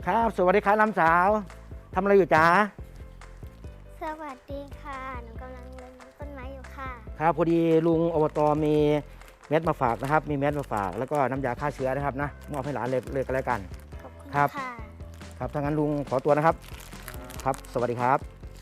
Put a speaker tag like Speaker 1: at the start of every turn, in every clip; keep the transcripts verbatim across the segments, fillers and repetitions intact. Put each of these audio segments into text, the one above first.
Speaker 1: ครับสวัสดีครับน้ำสาวทำอะไรอยู่จ๊ะ
Speaker 2: สวัสดีค่ะหนูกำลังรดน้ำต้นไม้อยู่ค่ะ
Speaker 1: ครับพอดีลุงอบตมีเม็ดมาฝากนะครับมีเม็ดมาฝากแล้วก็น้ำยาฆ่าเชื้อนะครับนะมอบให้หลานเลยเลยกันแล้วกัน
Speaker 2: ขอบคุณ
Speaker 1: ครับ
Speaker 2: ค่ะ
Speaker 1: ครับถ้างั้นลุงขอตัวนะครับครับสวัสดีครับ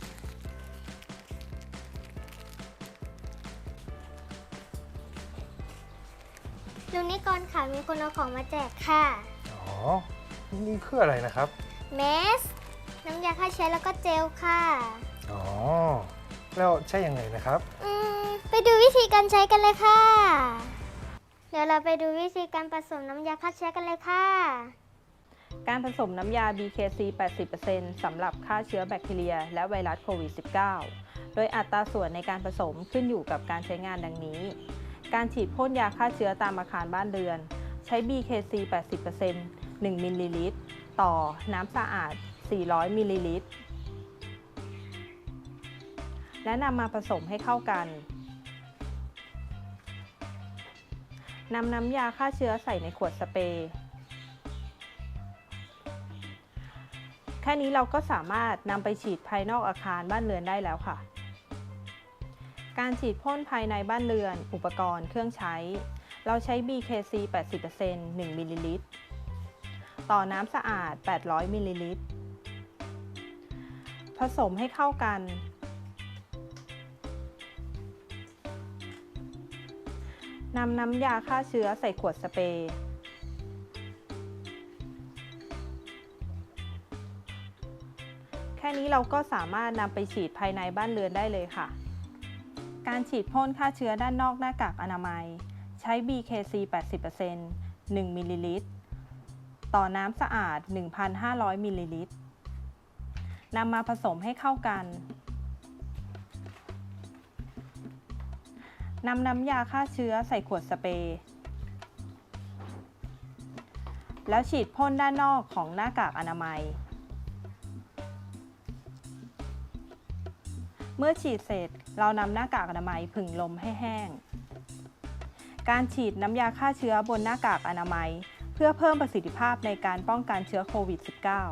Speaker 2: ลุงนิกรค่ะมีคนเอาของมาแจกค่ะ
Speaker 3: อ๋อนี่คืออะไรนะครับ
Speaker 2: เมสน้ำยาฆ่าเชื้อแล้วก็เจลค่ะ
Speaker 3: อ๋อแล้วใช่ยังไงนะครับ
Speaker 2: อืมไปดูวิธีการใช้กันเลยค่ะ เดี๋ยวเราไปดูวิธีการผสมน้ำยาฆ่าเชื้อกันเลยค่ะ
Speaker 4: การผสมน้ำยา บี เค ซี แปดสิบเปอร์เซ็นต์ สำหรับฆ่าเชื้อแบคทีเรียและไวรัสโควิด สิบเก้า โดยอัตราส่วนในการผสมขึ้นอยู่กับการใช้งานดังนี้ การฉีดพ่นยาฆ่าเชื้อตามอาคารบ้านเรือนใช้ บี เค ซี แปดสิบเปอร์เซ็นต์ หนึ่ง มิลลิลิตรต่อน้ำสะอาด สี่ร้อย มิลลิลิตรและนำมาผสมให้เข้ากันนำน้ำยาฆ่าเชื้อใส่ในขวดสเปรย์แค่นี้เราก็สามารถนำไปฉีดภายนอกอาคารบ้านเรือนได้แล้วค่ะการฉีดพ่นภายในบ้านเรือนอุปกรณ์เครื่องใช้เราใช้ บี เค ซี แปดสิบเปอร์เซ็นต์ หนึ่ง มิลลิลิตรต่อน้ำสะอาด แปดร้อย มิลลิลิตรผสมให้เข้ากันนำน้ำยาฆ่าเชื้อใส่ขวดสเปรย์แค่นี้เราก็สามารถนำไปฉีดภายในบ้านเรือนได้เลยค่ะการฉีดพ่นฆ่าเชื้อด้านนอกหน้ากากอนามัยใช้ บี เค ซี แปดสิบเปอร์เซ็นต์ หนึ่ง มิลลิลิตรต่อน้ำสะอาด หนึ่งพันห้าร้อย มิลลิลิตรนำมาผสมให้เข้ากันนำน้ำยาฆ่าเชื้อใส่ขวดสเปรย์แล้วฉีดพ่นด้านนอกของหน้ากากอนามัยเมื่อฉีดเสร็จเรานำหน้ากากอนามัยผึ่งลมให้แห้งการฉีดน้ำยาฆ่าเชื้อบนหน้ากากอนามัยเพื่อเพิ่มประสิทธิภาพในการป้องกันเชื้อโควิด สิบเก้า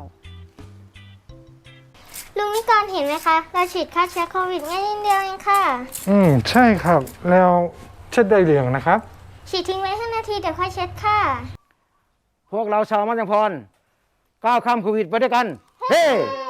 Speaker 2: ลุงนิกรเห็นไหมคะเราฉีดฆ่าเชื้อโควิดง่ายนิดเดียวเองค่ะ
Speaker 3: อืมใช่ครับแล้วเช็ดได้หรือยังนะครับ
Speaker 2: ฉีดทิ้งไว้ห้านาทีเดี๋ยวค่อยเช็ดค่ะ
Speaker 1: พวกเราชาวมัจจุพรก้าวข้ามโควิดไปด้วยกันเฮ้ hey!